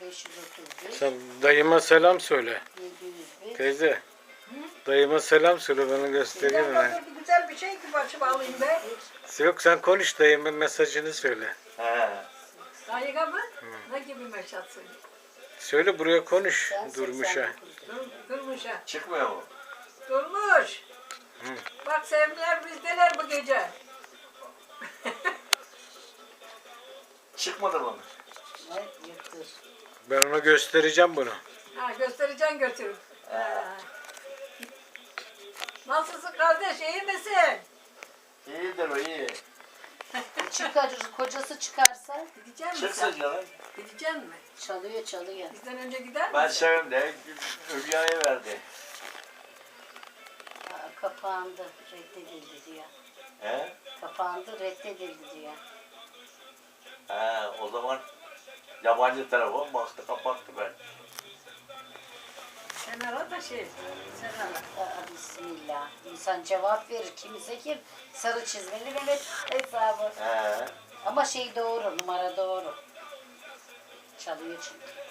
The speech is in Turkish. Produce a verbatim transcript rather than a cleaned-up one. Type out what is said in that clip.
beş yüz otuz bir. Sen dayıma selam söyle. yedi yüz bir. Teyze. Hı? Dayıma selam söyle, bana göstereyim Güzel, mi? bir güzel bir şey ki başıma alayım be. Yok, sen konuş, dayımın mesajını söyle. He. Dayıga mı? Ne gibi meşat söyle? Söyle, buraya konuş Sen Durmuş'a. seksen dokuz. Dur, durmuş ha. Çıkmıyor mu? Durmuş. Hı. Bak sevimler bizdeler bu gece. Çıkmadı mı? Ay, yırtır. Ben ona göstereceğim bunu. Ha göstereceğim götürüp. Ha. Nasılsın kardeş, iyi misin? İyidir o iyi. Çıkar, kocası çıkarsa Gidecek misin Çıksın sen? canım. Gidecek mi? çalıyor çalıyor. Bizden önce gider Ben misin? sevim de Hülya'ya verdi. Aa, kapandı, reddedildi diyor. He? Kapandı, reddedildi diyor. He, o zaman yabancı telefon baktı kapattı ben. Sen ara da şey, sen ara. Aa, bismillah. İnsan cevap verir. Kimse kim? Sarı çizmeli Mehmet hesabı. He. Ama şey doğru, numara doğru. Çalıyor çünkü.